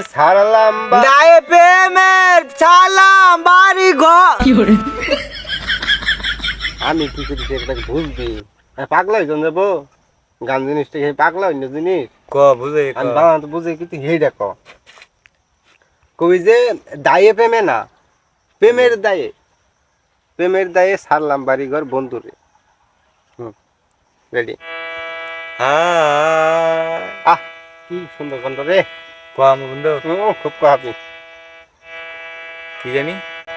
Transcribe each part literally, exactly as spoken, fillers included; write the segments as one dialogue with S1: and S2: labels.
S1: ছাড়লাম
S2: দায়ে প্রেমের ছাড়লাম বাড়ি ঘর।
S1: আমি কি করি সেটা বুঝবি পাগলা হইজন যাবো গান জিনিসটা সেই পাগলা হইন জিনিস
S2: ক বুঝে
S1: আমি বাংলা তো বুঝে কিন্তু হেই দেখো কবি যে দায়ে প্রেমে না প্রেমের দায়ে প্রেমের দায়ে ছাড়লাম বাড়ি ঘর বন্ধুরে। হুম রেডি।
S2: হ্যাঁ
S1: আহ কি সুন্দর কণ্ঠ রে।
S2: কম বন্ধু
S1: ও খুব কাহাবি
S2: কি জানি।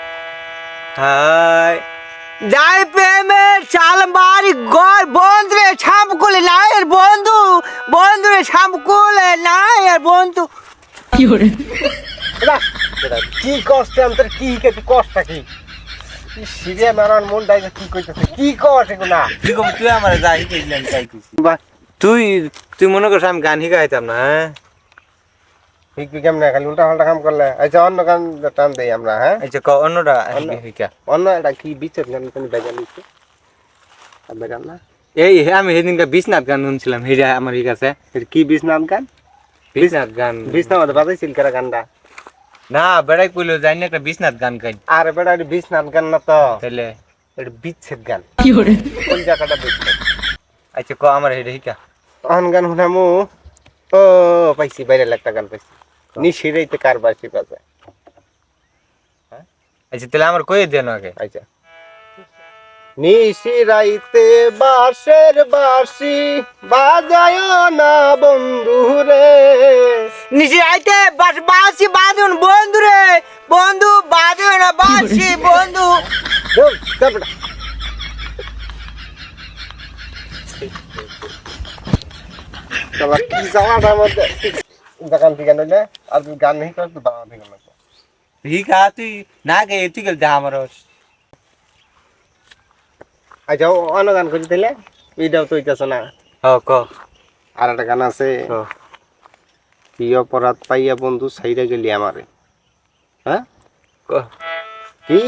S2: হাই দায়ে প্রেমের চাল বাড়ি ঘর বন্ধুরে ছামকুলে নায়ের বন্ধু বন্ধুরে ছামকুলে নায়ের বন্ধু। কি করে
S1: এরা, এরা, কি কষ্ট আমি তোর কি কি কষ্ট কি সিরিয়া মারার মন ডাইছে কি কইতেছে কি কষ্ট এগুলা
S2: কি কম তুই আমার যা শিখাইছিলাম তাই কইছি তুই তুই মনে করছ আমি গান শিখাইতাম না। হ্যাঁ
S1: ঠিক কি কেমনে খালি উল্টা পাল্টা কাম করলে আচ্ছা অন্য গান টান দেই আমরা। হ্যাঁ
S2: আচ্ছা ক অন্যটা শিখা
S1: অন্য একটা কি বিচের গান তুমি বাজা লিখছো আর গান না
S2: এই আমি সেদিনকার বিশ্বনাথ গান শুনছিলাম হেরা আমার ঠিক আছে
S1: এটা কি বিশ্বনাথ গান
S2: বিশ্বনাথ গান
S1: বিশ্বনাথ বাজাইছিল কারা গানটা
S2: না বেড়াই কইলো যাই না একটা বিশ্বনাথ গান গাই
S1: আরে বেটা এটা বিশ্বনাথ গান না তো
S2: তাহলে
S1: এটা বিচ্ছেদ গান
S2: কি করে
S1: কোন জায়গাটা বিচ্ছেদ।
S2: আচ্ছা ক আমার হেরা শিখা
S1: অন গান শুনামু ও পাইছি বাইরে একটা গান পাইছি নিশিরাইতে কার বাসি বাজায়।
S2: আচ্ছা তাহলে আমার কই দেন আগে।
S1: আচ্ছা নিশিরাইতে বাঁশের বাঁশি বাজায় না বন্ধু রে
S2: নিশি আইতে বাস বাসি বাঁধুন বন্ধু রে বন্ধু বাঁধুন না বাসি বন্ধু।
S1: বল, চল বেটা। শালা কি জ্বালাটার মধ্যে দোকান থেকে নইলে আর তুই গান নেই কর তো দাঁড়া থেকে লাগবে
S2: শিখা তুই না গে তুই গেল দা আমার
S1: আচ্ছা অন্য গান করি দিলে এইটাও তো হইতেছ না।
S2: হ ক
S1: আর একটা গান আছে
S2: হ
S1: কি অপরাধ পাইয়া বন্ধু সাইরা গেলি আমারে। হ্যাঁ
S2: ক
S1: কি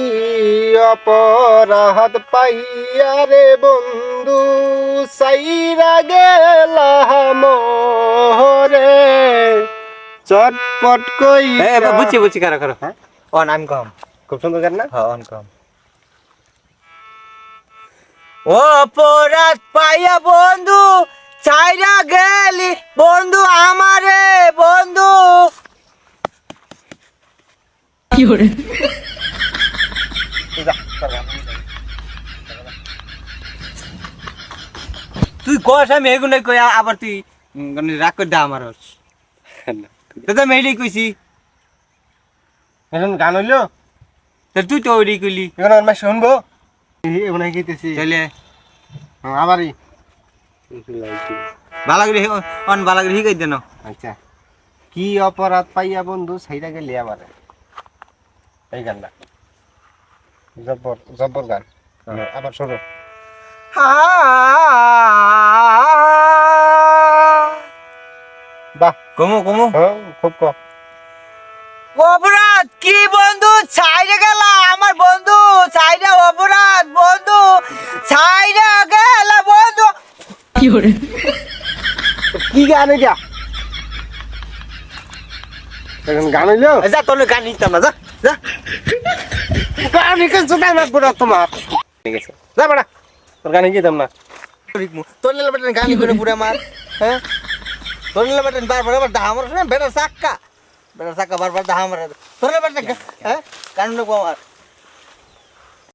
S1: অপরাধ পাইয়া রে বন্ধু সাইরা গেলা মোরে চটপট কই
S2: এ বুঝছি বুঝছি কারা কারা
S1: হ্যাঁ
S2: অন আমি কম
S1: খুব সুন্দর গান না।
S2: হ অন কম ও অপরাধ পাইয়া বন্ধু ছাইরা গেলি বন্ধু আমারে বন্ধু। কি করে
S1: যা, তোর গান।
S2: তুই কস আমি এগুলাই কই আবার তুই মানে রাগ করে দা আমার তো তো মেইলি কইছি
S1: এখন গান হইলো
S2: তো তুই তো ওইটাই কইলি
S1: এখন আমার শুনবো এখন গেতেছি
S2: তাহলে
S1: আবারই
S2: বালাগরি অন বালাগরি শিখাই দেন।
S1: আচ্ছা কি অপরাধ পাইয়া বন্ধু সাইরা গেলি আমারে এই গানটা জব্বর জব্বর গান আবার শোনো বাহ
S2: কমু কমু
S1: হ্যাঁ খুব কম
S2: অপরাধ কি বন্ধু ছাইরে গেল আমার বন্ধু ছাইরে অপরাধ বন্ধু ছাইরে গেল বন্ধু। কি করে
S1: কি গান এটা এখন গান হইলো
S2: যা তোর গান নিতাম না যা যা
S1: গান নিকে জোগাড় না বড় তোমার ঠিক আছে যা বড়া তোর গান নিকে দাম না
S2: তোর লেলা বেটেন গান করে পুরা মার হ্যাঁ তোর লেলা বেটেন বারবার আবার দা আমার বেটা সাক্কা বেটা সাক্কা বারবার দা আমার তোর লেলা বেটেন হ্যাঁ গান নেবো আমার